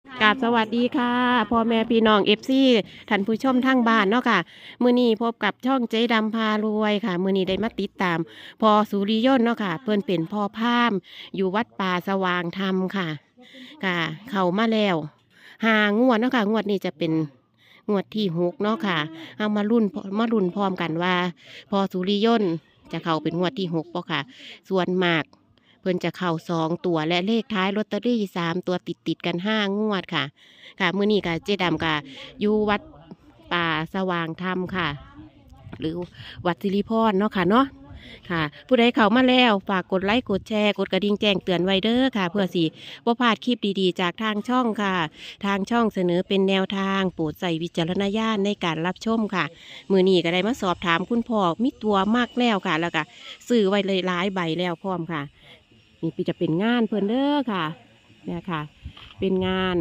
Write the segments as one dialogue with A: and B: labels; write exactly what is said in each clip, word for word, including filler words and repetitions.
A: กราบสวัสดีค่ะพ่อแม่พี่น้องเอฟซีท่านผู้ชมทั้งบ้านเนาะค่ะมื้อนี้พบกับช่องเจ๊ดำพารวยค่ะมื้อนี้ได้มาติดตามพอสุริยนต์เนาะค่ะเพิ่นเป็นพ่อพราหมณ์อยู่วัดป่าสว่างธรรมค่ะค่ะเข้ามาแล้วหางวดเนาะค่ะงวดนี้จะเป็นงวดที่หกเนาะค่ะเอามารุ่นมารุ่นพร้อมกันว่าพอสุริยนต์จะเข้าเป็นงวดที่หกป่ะค่ะส่วนมากเพิ่นจะเข้าสองตัวและเลขท้ายลอตเตอรี่สามตัวติดติดกันห้างวดค่ะค่ะมื้อนี้ค่ะเจ๊ดำค่ะอยู่วัดป่าสว่างธรรมค่ะ หรือวัดสิริพรเนาะค่ะเนาะค่ะ ผู้ใดเข้ามาแล้วฝากกดไลค์กดแชร์กดกระดิ่งแจ้งเตือนไว้เด้อค่ะ เพื่อสิบ่พลาดคลิปดีๆจากทางช่องค่ะ ทางช่องเสนอเป็นแนวทางโปรดใส่วิจารณญาณในการรับชมค่ะมื้อนี้ก็ได้มาสอบถามคุณพ่อมีตัวมากแล้วค่ะ แล้วก็ซื้อไว้เลยหลายใบแล้วพร้อมค่ะ นี่จะเป็นงานเพิ่นเด้อค่ะเนี่ยค่ะ เป็นงาน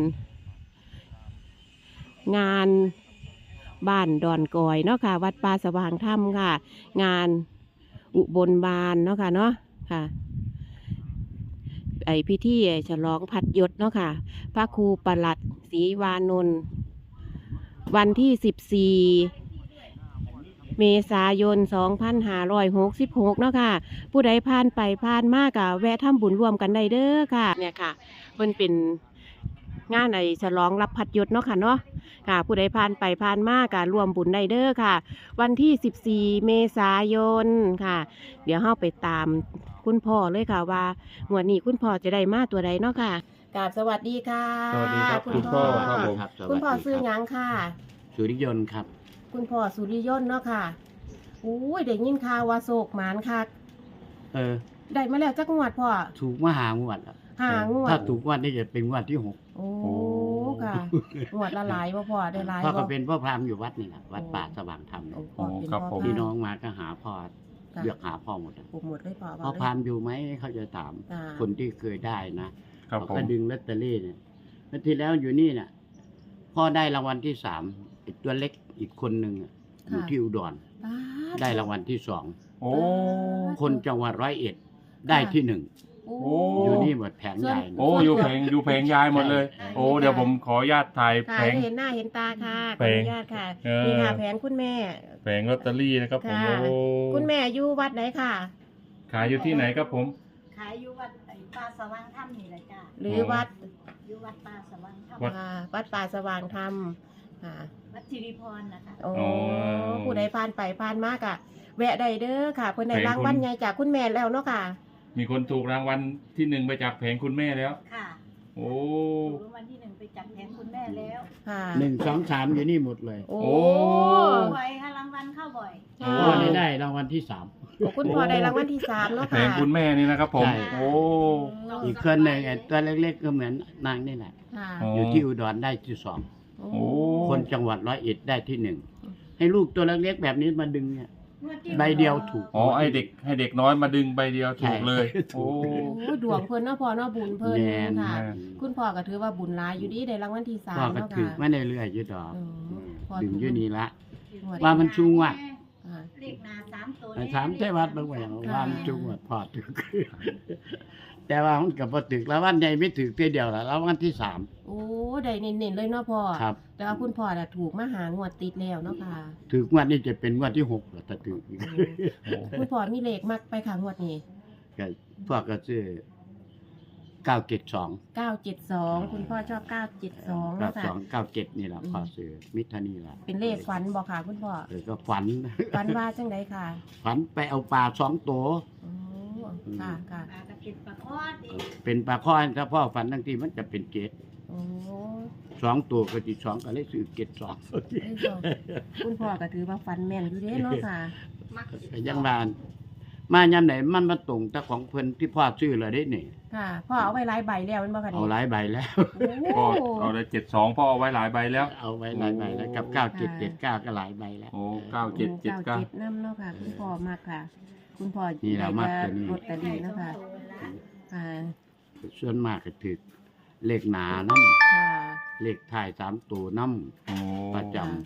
A: งานบ้านดอนกอยเนาะค่ะวัดป่าสว่างธรรมค่ะ งานอุบลบานเนาะค่ะเนาะค่ะ ไอพิธีฉลองพัดยศเนาะค่ะพระครูประหลัดศรีวานนท์วันที่สิบสี่เมษายนสองพันห้าร้อยหกสิบหกเนาะค่ะ ผู้ใดผ่านไปผ่านมากะแวะทำบุญรวมกันได้เด้อค่ะเนี่ยค่ะมันเป็นงานไอฉลองรับพัดยศเนาะค่ะเนาะค่ะ ผู้ใดผ่านไปผ่านมากะรวมบุญได้เด้อค่ะ วันที่สิบสี่เมษายนค่ะ เดี๋ยวเฮาไปตามคุณพ่อเลยค่ะว่างวดนี้คุณพ่อจะได้มาตัวใดเนาะค่ะกราบสวัสดีค่ะ
B: สวัสดีครับ
A: คุ
B: คุณ ณ
A: พ่
B: พ่
A: อ
B: อครับผม
C: ครับสวัสดี
A: คุณพ่อ
C: รับ
A: ซื้อหยังค่ะ
C: สุริยนต์ครับ
A: คุณพ่อสุริยนต์เนาะค่ะอุ้ยได้ยินข่าวว่าโศกหมานค่ะ
C: เออ
A: ได้มาแล้วจักงวดพ่อ
C: ถูกมาหางวดแล้ว
A: หางวด
C: ถ้าถูกงวดนี่จะเป็นงวดที่หก
A: โอ้ค่ะงวดละหลายบ่พ่อได้หลาย
C: พ่อก็
A: บ่
C: เป็นพ่อพราหมณ์อยู่วัดนี่แหละวัดป่าสว่างธรรม
A: โอ้พ่อเป็น
B: ครับ
A: พ่อ
B: ผม
A: พ
C: พี่
A: รา
C: น้
A: ห
C: อ
A: ม
C: ง
A: ณ์
C: มาก็หาพ่อ
A: ค่ะ
C: เลือกหาพ่อหมดอะ
A: ปลูกหมดเลยพ่อ
C: พ่อพราหมณ์อยู่ไหมเขาจะถาม
A: อ่า
C: คนที่เคยได้นะครับ เขา
B: ผม
C: ก็ดึงลอตเตอรี่เนี่ยแล้วที่แล้วอยู่นี่เนี่ยพ่อได้รางวัลที่สามอีกตัวเล็กอีกคนหนึ่งอะอยู่ที่อุดร
A: ป๊า
C: ได้รางวัลที่สอง
B: โอ้
C: คนจังหวัดร้อยเอ็ดได้ที่หนึ่ง
A: โอ้
B: โอ้
C: อยู่นี่หมดแผงใหญ่
B: โอ้อยู่เพลงอยู่เพลงยายหมดเลย
A: ใช่
B: โอ้เดี๋ยวผมขออนุญาตถ่าย
A: ค่ะ
B: แผง
A: เห็นหน้าเห็นตาค่ะข
B: แผ
A: ออง นุญาตค่ะ
B: เออ
A: นี่ค่ะแผงคุณแม่
B: แผงลอตเตอรี่นะครับผม
A: ค่ะ
B: โอ้
A: คุณแม่อยู่วัดไหนค่ะ
B: ขายอยู่ที่ไหนครับผม
D: ขายอยู่วัดไอ้ป่าสว่างถ้ำนี่แหละจ้า
A: หรือวัด
D: อยู่วัดป่าสว่างถ้
B: วัด
A: อ่าวัดป่าสว่างธรรมค่ะ
D: ำวัดสิริพรนะคะ
A: โอ้
B: อ๋อ
A: ผู้ใดผ่านไปผ่านมากอะแวะได้เด้อค่ะเพิ่นได้
B: แผง
A: รางวัล
B: คุณ
A: ใหญ่จากคุณแม่แล้วเนาะค่ะ
B: มีคนถูกรางวัลที่หนึ่งไปจากแผงคุณแม่แล้ว
D: ค่ะ
B: โอ้
D: ถูกรางวัลที่หนึ่งไปจับแทนคุณแม่แล้ว
A: ค่ะ
C: หนึ่งสองสามอยู่นี่หมดเลย
A: โอ้
B: โอ้
D: บ่อยค่ะรางวัลเข้าบ่อย
A: ค่ะ
C: พ่อได้ได้รางวัลที่สาม
A: โอ้คุณพ่อได้รางวัลที่สามเนาะ
B: แผ
A: ค่ะ
B: งคุณแม่นี่นะครับผม
C: ใช่
B: โอ้
C: อีกคนหนึ่งไอ้ตัวเล็กๆก็เหมือนนางนี่แหละ
A: ค่ะ
B: อ๋อ
C: อยู่ที่อุดรได้ที่สอง
A: โอ้
B: โอ้
C: คนจังหวัดร้อยเอ็ดได้ที่หนึ่งให้ลูกตัวเล็กๆแบบนี้มาดึงเนี่ย
D: งวดที่
C: ใบเดียวถูก
B: อ๋อไอเด็กให้เด็กน้อยมาดึงใบเดียวถูกเลย
C: ใช่
B: โอ้
A: โอ้ดวงเพิ่นเนาะพ่อเนาะบุญเพิ่น
C: แม่น
A: ค่ะ
B: แม่น
A: คุณพ่อก็ถือว่าบุญหลายอยู่ดีได้รางวัลที่สา
C: พ่อ
A: ม
C: ก็
A: เนาะ
C: ถือ
A: ค่ะ
C: มาเรื่อยๆอยืดดอก
A: อืมพ่อ
C: ดึงอยืดนี่ละ
A: งวด
C: ว่ามันชูงวด
A: ค่ะ
D: เลขหน้าสามตัว
C: ไอ้ถามเทวัดบางอย่างว่ามันจุงวดพอถึก แต่ว่ามันกับพอถึกแล้ววันใหญ่ไม่ถึกเพียเดียวละแล้ววันที่สาม
A: โอ้ได้เน้นๆเลยเนาะพ่อ
C: ครับ
A: แต่ว่าคุณพ่อน่ะถูกมาหางวดติดแล้วเนาะค่ะ
C: ถึกงวดนี้จะเป็นงวดที่หกแล้วถ้าถึกอีก
A: คุณพ่อมีเลขมักไปค่ะงวดนี้
C: ก็พวกก็ซื้อเก้าเจ็ดสอง
A: เก้าเจ็ดสองคุณพ่อชอบเก้าเจ็ดสอง
C: เก้า
A: นะ
C: ส
A: คะ
C: องเก้าเจ็ดนี่แหละพอซื้อมิถานี่แหละ
A: เป็นเลขฝันบอกค่ะคุณพ่อ
C: เออก็ฝัน
A: ฝันว่าจังไดค่ะ
C: ฝันไปเอาปลาสองตัว
A: โอ้ค่ะค่ะ
D: ปลากระติดปลาคอดอีก
C: เป็นปลาข้อนถ้าพ่อฝันทั้งทีมันจะเป็นเกต
A: โอ้
C: สองตัวก็จีสองก็เลยซื้อเกตสอง
A: เอ้ยพ่อคุณพ่อก็ถือว่าฝันแม่นอยู่เด้เนาะค่ะ
D: มักสิ
C: ก็ยังมามาย่ำไหนมันมาตรงแต่ของเพิ่นที่พ่อซื้อเลยได้นี่
A: ค่ะพ่อเอาไว้หลายใบแล้วแมันบ่ค่ะ
C: เอา
A: นี่
C: หลายใบแล้ว
A: โอ้
B: ก็เอาเลยเจ็ดสองพ่อเอาไว้หลายใบแล้ว
C: เอาไว้หลายใบแล้วกับเก้าเจ็ดเจ็ดเก้าก็หลายใบแล้ว
B: โอ้เก้าเจ็ดเจ็ดเก้า
A: เจ็ดน้ำเนาะค่ะ คุณพ่อมากค่ะ คุณพ่อ
C: นี่แหละมักตัวนี้
A: ลอตเตอรี่เนาะค่ะค่ะ
C: ส่วนมากก็ถือเลขหนาน้
A: ค่ะ
C: ำเลขท้ายสามตัวน้
B: โอ้
C: ำประจำ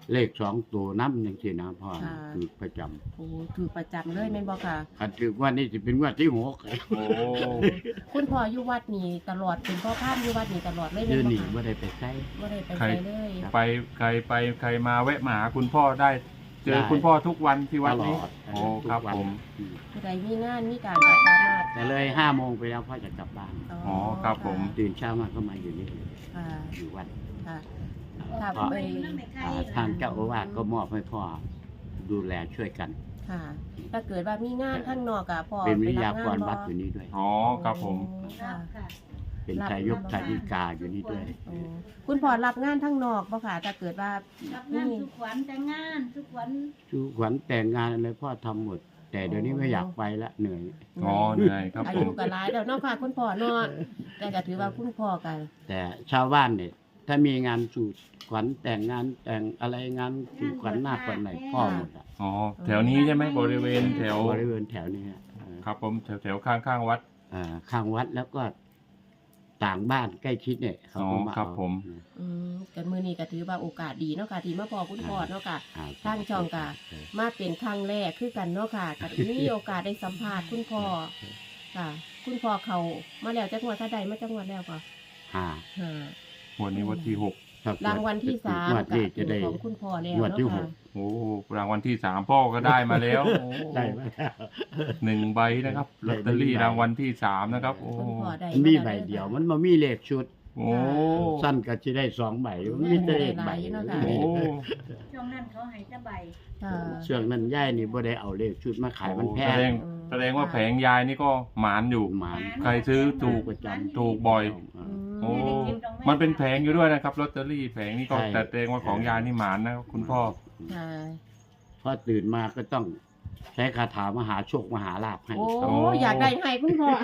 C: เลขสองตัวน้ำยังสินะพ่อ
A: ค่ะ
C: คือประจำ
A: โอ้ถือประจำเลยแม่นบ่ค่ะ
C: คันถือว่านี่จะเป็นงว่าที่หก
B: โอ้
A: คุณพ่ออยู่วัดนี่ตลอดเป็นพ่อพามอยู่วัดนี่ตลอดเลย
C: เดื
A: แม่
C: อน
A: นบ่
C: นี้
A: ค่ะ
C: ไม่ได้ไปใช้
A: บ่ได้ไป
B: ใคร
A: ไสเลย
B: ไปใครไปใครมาแวะมาหาคุณพ่อได้ เจอ
C: ได้
B: คุณพ่อทุกวันที่
C: ต
B: วัด
C: ล
B: นี้
C: อด
B: โอ้ครับ
C: ทุกวัน
B: ผม
C: อืม
A: ผู้ใดมีงานมีการก็สามารถ
C: แต่เลยห้าโมงไปแล้วพ่อจะกลับบ้าน
B: อ๋อครับผม
C: ตื่นเช้ามาก็มาอยู่นี่เลย
A: ค่ะ
C: อยู่วัด
A: ค่ะ
C: เพ
A: ค่ะ
C: ราะ
A: ไป
C: อ่าทางเจ้าอาวาสก็มอบให้พ่อดูแลช่วยกัน
A: ค่ะ ถ้าเกิดว่ามีงานข้างนอกอะพ่อ
C: เป็นวิท
A: ไป
C: ยา
A: รับ
C: ก
A: งาร น
C: วัด
A: บ่
C: อยู่นี่ด้วย
B: อ๋อครับผม
A: ค่ะ
D: ค่ะ
C: เป็นทายกทายิกาอยู่นี่ด้วย
A: โอ้คุณพ่อรับงานข้างนอกบ่ค่ะถ้าเกิดว่า
D: รับงานทุกวันแต่งงานทุกวัน
C: ชูขวัญแต่งงานอะไรพ่อทำหมด แต่เดี๋ยวนี้ไม่อยากไปละเหนื่อย
B: อ๋อเหนื่อยครับ
A: อา
B: ผ
A: ยุ
B: ม
A: ก็หลายแล้วเนาะค่ะคุณพ่อเนาะแต่ก็ถือว่าคุณพ่อกัน
C: แต่ชาวบ้านเนี่ยถ้ามีงานสู่ขวัญแต่งงานแต่งอะไรงานสู่ขวัญหน้าขวัญไหนพ่อหมดอะ
B: อ๋อแถวนี้ใช่ไหมบริเวณแถว
C: บริเวณแถวนี้ฮะเอ่อ
B: ครับผมแถวแถวข้างข้างๆวัด
C: เอ่อข้างวัดแล้วก็ต่างบ้านใกล้ชิดเนี่ยเขาก็
B: อ๋อ
C: มา
B: ครับ
C: เอา
B: ผม
A: อืมกันมื้อนี้ก็ถือว่าโอกาสดีเนาะค่ะที่มาพอคุณพ่อเนาะค่ะ
C: อ่
A: ทางช่องก็ มาเป็นครั้งแรกคือกันเนาะค่ะก็มีโอกาสได้สัมภาษณ์คุณพ่อค่ะ คุณพ่อเขามาแล้วจักงวดถ้าใดมาจักงวดแล้วก็
C: ห้า
A: ห้า
B: วันนี้วันที่หก
C: คบ
A: รางวัลที่สาม
C: งวด
A: ก็
C: นี้
A: เป็
C: จะ
A: น
C: ได้
A: ของคุณพ่อแล้ว
C: งวด
A: เนาะ
C: ที่ห
A: ค่ะ
C: ก
B: โอ้รางวัลที่สามพ่อก็ได้มาแล้วโอ้
C: ได้มาแล้ว
B: หนึ่งใบนะครับลอตเตอรี่รางวัลที่สามนะครับโอ้
A: คุณพ่อได้
C: มี
A: า
C: ใบ
A: แล้ว
C: เดียว
A: ค่ะ
C: มันมามีเลขชุด
B: โอ้
C: สั้นก็จะได้สองใบมันมีแต่เลขใบ
A: ได้หลายอยู่เนาะค่ะ
B: โอ้
D: ช่วงนั้นเขาให้จะใบ
A: ค่ะ
C: ช่วงนั้นย่ายนี่บ่ได้เอาเลขชุดมาขายมันแพ
B: แสด
C: ง
B: งแสดงว่าแผงยายนี่ก็หมานอยู่
C: หมาน
B: ใครซื้อถูก
C: ประจำ
B: ถูกบ่อย
A: อืม
B: โอ้มันเป็นแผงอยู่ด้วยนะครับลอตเตอรี่แผงนี้ก็
C: ใช่
B: แต่แสดงว่าของยายนี่หมานนะคุณพ่อ
A: ค่ะ
C: พอตื่นมาก็ต้องใช้คาถามหาโชคมหาลาภให้
A: โอ้
B: โอ้
A: อยากได้ให้คุณพ่อ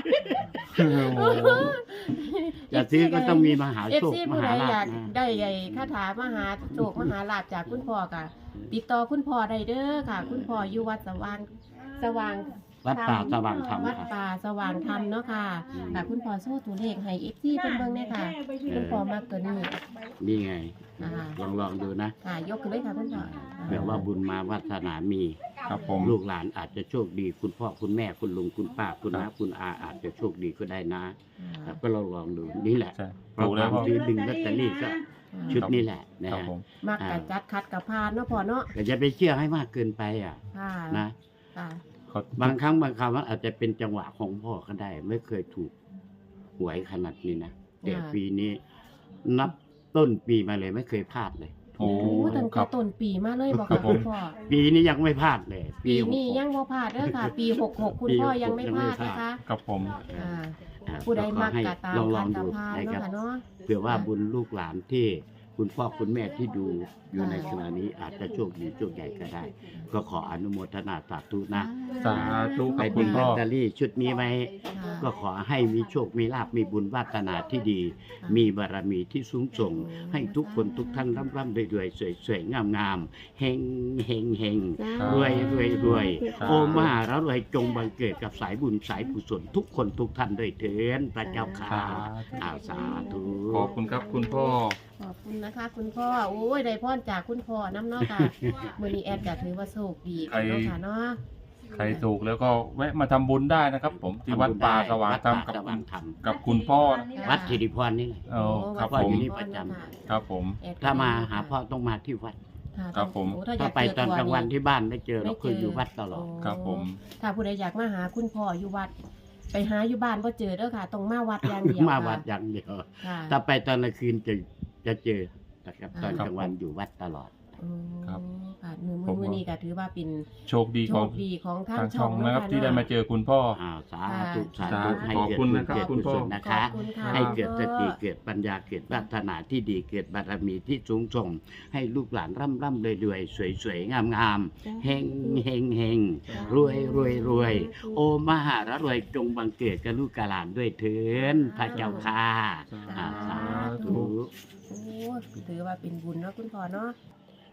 C: จะซื้อก็ต้องมีมหา
A: เอฟ
C: โชค
A: ซี
C: ม
A: ผู้ใด
C: หาลา
A: อยา
C: ภ
A: ก
C: นะ
A: ได้ไอ้คาถามหาโชคมหาลาภจากคุณพ่อกะติดต่อคุณพ่อได้เด้อค่ะ คุณพ่ออยู่วัดสว่างสว่าง
C: วัดป่าสว่างธรรม
A: วัด
C: ค่ะ
A: ป่าสว่างธรรมเนาะค่ะ
C: อืม
A: ค่ะคุณพ่อโซ่ตัวเลขให้เอฟซีเพิ่นเบิ่งได้ค่ะ คุณพ่อมากตัวนี้
C: นี่ไง
A: อ่า
C: ลองลองดูนะ
A: ค่ะยกขึ้นเลยค่ะคุณพ่อ
C: แปลว่าบุญมาวาสนามี
B: ครับผม
C: ลูกหลานอาจจะโชคดี คุณพ่อคุณแม่คุณลุงคุณป้าคุณน้าคุณอาอาจจะโชคดีก็ได้นะครับก็ลองลองดูนี่แหละ
B: ใช่
C: เพราะ
B: ถูก
C: ค
B: แล้ว
C: วาม
B: พ่อ
C: ซื้อดึงลอตเตอรี่ก็ชุดนี้แหละนะครับ
B: ผม
A: มักกะจัดคัดกับพานเนาะพ่อเนาะ
C: แต่จะไปเชื่อให้มากเกินไปอ่ะ
A: ค่ะ
C: นะ
A: ค่ะ
B: เขา
C: บางครั้งบางคราวมันอาจจะเป็นจังหวะของพ่อก็ได้ ไม่เคยถูกหวยขนาดนี้นะแต่ปีนี้นับต้นปีมาเลยไม่เคยพลาดเลย
B: โอ้
A: โอ้ตั้ง
B: ครั
A: แต่
B: บ
A: ต้นปีมาเลยบอก
B: ครั
A: ค่ะ
B: บผม
A: คุณพ่อ
C: ปีนี้ยังไม่พลาดเลย
A: ปี
C: หก
A: นี้
C: หก
A: ยังบ่พลาดเด้อค่ะ ปีหกหกคุณพ่อยังไม่พลาดนะคะ
B: ครับผม
A: อ่า
C: อ่า
A: ผู้ใดมัก
C: ขอให้
A: กะตาม
C: ลองล
A: คั
C: อน ง
A: กับ
C: ดู
A: พาน
C: นะ
A: เนาะ
C: ครับ
A: ค่ะเนาะ
C: เผื่อว่าบุญลูกหลานที่คุณพ่อคุณแม่ที่ดูอยู่ในขณะนี้อาจจะโชคดีโชคใหญ่ก็ได้ ก็ขออนุโมทนาสาธุนะ
B: สาธุค
C: ไป
B: รับ
C: ดึ
B: คุณ
C: งล
B: พ่
C: อ
B: อ
C: ตเตอรี่ชุดนี้ไว้
A: ค่ะ
C: ก็ขอให้มีโชค มีลาภ มีบุญวาสนาที่ดี มีบารมีที่สูงส่ง ให้ทุกคนทุกท่านร่ำร่ำรวยรวยสวยสวยงามงามเฮงเฮงเฮงรวยรวยรวยโอมหาระรวยจงบังเกิดกับสายบุญสายกุศลทุกคนทุกท่านด้วยเถินพระเจ้าค่ะ
B: สา
C: อาสาธุ
B: ขอบคุณครับคุณพ่อ
A: ขอบคุณนะคะ คุณพ่อโอ้ยได้พรจากคุณพ่อน้ำเนาะค่ะมื้อนี้แอดก็ถือว่าโชคดีกันเนาะค่ะเนาะ
B: ใครถูกแล้วก็แวะมาทำบุญได้นะครับ ผมที่วัดป่าสว่างธรรม
C: วัด
B: กับ
C: ป่าสว่างธรรม
B: กับคุณพ่อนะ
C: วัดสิริพรนี่แหละ
B: โอ้ครับ
C: พ่อ
B: ผ
C: อยู่
B: ม
C: นี่ประจำ
B: ครับผม
A: แอดก็
C: ถ้ามาหาพ่อต้องมาที่วัด
A: ค่ะ
B: ครับผม
A: โอ้ถ้าอยา
C: ถ้าก ไป
A: เจอ
C: ตอน
A: ตัว
C: กลางวันที่บ้านไม่เจอเรา
A: ไม่
C: เคยอยู่วัดตลอด
A: โ
B: ครับผม
A: ถ้าผู้ใดอยากมาหาคุณพ่ออยู่วัด ไปหาอยู่บ้านก็เจอเด้อค่ะต้องมาวัดอย่างเดียว
C: มา
A: ค่ะ
C: วัดอย่างเดียว
A: ค่ะ
C: ถ้าไปตอนกลางคืนจะจะเจอนะครับตอน
A: ครับ
C: กลางวันอยู่วัดตลอด
A: อืม
B: ครับ
A: ค่ะมือ
B: ผม
A: มือนี้ก็ถือว่าเป็น
B: โชคดี
A: โช
B: ของ
A: คดีของทาง
B: ทาง
A: ช่
B: ช่
A: อ
B: อง ง
A: เา
B: นะครับ
A: ะ
B: ที่ได้มาเจอคุณพ่อ
C: อ่าสาธุสา
B: สา
C: ธุ
B: ธุ
C: ให้
B: ขอบ
C: เกิด
B: คุณ
C: บุญ
B: นะครับ
C: เกิด
B: คุณ
C: กุ
B: พ่อ
C: ศลนะคะ
A: ขอบคุณค่ะ
C: ให้เกิดสติเกิดปัญญาเกิดวัฒนาที่ดีเกิดบารมีที่สูงส่ง ให้ลูกหลานร่ำร่ำรวยรวยสวยสวยงามงามเฮงเฮงเฮงรวยรวยรวยโอมหาระรวยจงบังเกิดกับลูกกาหลานด้วยเถินพระเจ้าค่ะอ่าสาธุ
A: โอ้ถือว่าเป็นบุญเนาะคุณพ่อเนาะ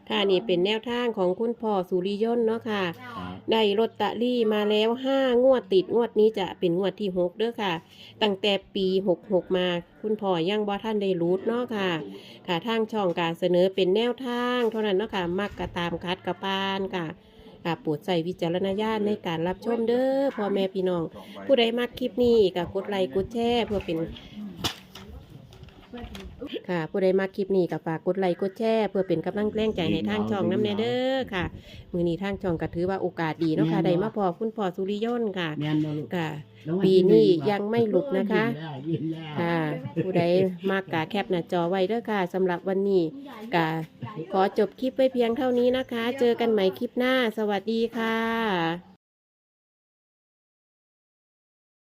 A: ค่ะนี่เป็นแนวทางของคุณพ่อสุริยนต์เนาะค่ะ
C: ครับ
A: ได้ลอตเตอรี่มาแล้วห้างวดติดงวดนี้จะเป็นงวดที่หกเด้อค่ะ ตั้งแต่ปีหกหกมา คุณพ่อยังบ่ท่านได้รู้เนาะค่ะ ค่ะทางช่องการเสนอเป็นแนวทางเท่านั้นเนาะค่ะมักกะตามคัดกะปานค่ะค่ะโปรดใส่วิจารณญาณในการรับชมเด้อพ่อแม่พี่น้อง ผู้ใดมักคลิปนี้ก็กดไลค์กดแชร์เพื่อเป็นค่ะ ผู้ใดมักคลิปนี้ก็ฝากกดไลค์กดแชร์เพื่อเป็นกำลังแรงใจให้ทางช่องน้ำแน่เด้อค่ะ มือนี้ทางช่องก็ถือว่าโอกาสดีเนาะค่ะได้มาพอคุณพ่อสุริยนต์ค่ะ
C: แม่นบ่ลูก
A: ค่ะ
C: แล้ววั
A: ปี
C: ที่ห
A: นี้
C: ง
A: ยังไม่หลุดนะคะ
C: ยิ้มได้ยิ้มได้
A: ค่ะ ผู้ใดมากกะแคปหน้าจอไว้เด้อค่ะสำหรับวันนี้กะขอจบคลิปไว้เพียงเท่านี้นะคะ เจอกันใหม่คลิปหน้า สวัสดีค่ะ